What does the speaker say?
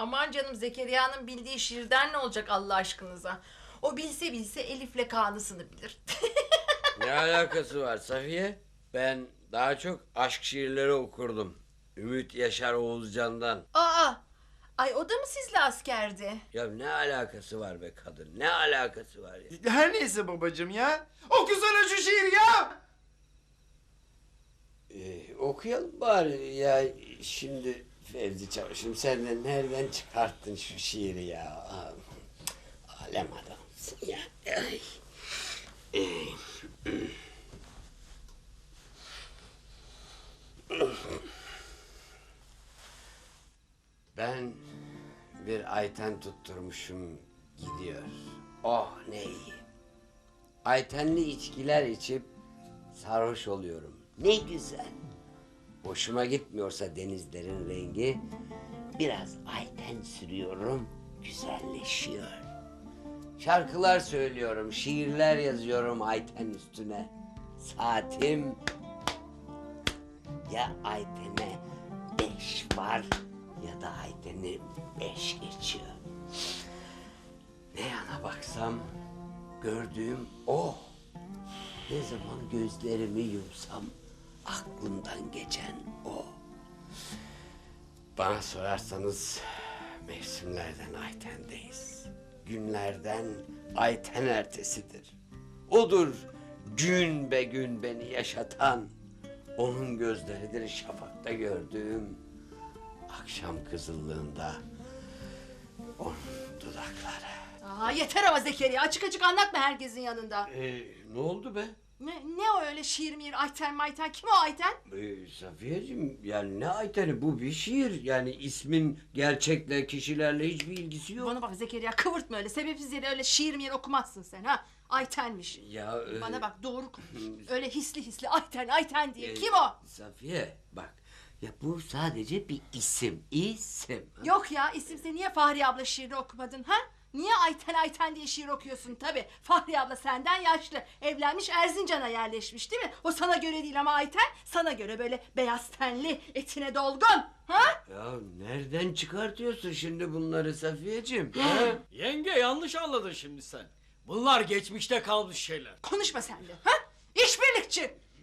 Aman canım, Zekeriya'nın bildiği şiirden ne olacak Allah aşkınıza? O bilse bilse Elif'le Kaan'ısını bilir. Ne alakası var Safiye? Ben daha çok aşk şiirleri okurdum. Ümit Yaşar Oğuzcan'dan. Aa! Ay, o da mı sizle askerdi? Ya ne alakası var be kadın? Ne alakası var ya? Her neyse babacığım ya. Okusana şu şiiri ya. Okuyalım bari ya. Şimdi Fevzi Çavuş'um, sen de nereden çıkarttın şu şiiri ya? Alem adamsın ya. Ay. Ben bir Ayten tutturmuşum gidiyor. Oh ne iyi. Aytenli içkiler içip sarhoş oluyorum. Ne güzel. Hoşuma gitmiyorsa denizlerin rengi, biraz Ayten sürüyorum, güzelleşiyor. Şarkılar söylüyorum, şiirler yazıyorum Ayten üstüne. Saatim ya Ayten'e 5 var ya da Ayten'e 5 geçiyor. Ne yana baksam gördüğüm o. Ne zaman gözlerimi yumsam aklımdan geçen o. Bana sorarsanız mevsimlerden Ayten'deyiz. Günlerden Ayten ertesidir. Odur gün be gün beni yaşatan. Onun gözleridir şafakta gördüğüm. Akşam kızıllığında onun dudakları. Aa, yeter ama Zekeriya, açık açık anlatma herkesin yanında. Ne oldu be? Ne o öyle şiir miyir, Ayten mayten, kim o Ayten? Safiyeciğim, yani ne Ayten'i, bu bir şiir. Yani ismin gerçekle, kişilerle hiçbir ilgisi yok. Bana bak Zekeriya, kıvırtma öyle, sebepsiz yere öyle şiir miyir okumazsın sen ha. Ayten'miş. Ya Bana bak, doğru konuş. Öyle hisli hisli Ayten Ayten diye, kim o? Safiye bak, ya bu sadece bir isim. İsim. Yok ya, isimse niye Fahriye abla şiirini okumadın ha? Niye Ayten Ayten diye şiir okuyorsun tabii? Fahriye abla senden yaşlı, evlenmiş, Erzincan'a yerleşmiş değil mi? O sana göre değil ama Ayten sana göre böyle beyaz tenli, etine dolgun. Ha? Ya nereden çıkartıyorsun şimdi bunları Safiyeciğim? Ha? Yenge, yanlış anladın şimdi sen. Bunlar geçmişte kalmış şeyler. Konuşma sen de ha? İşbirlikçi.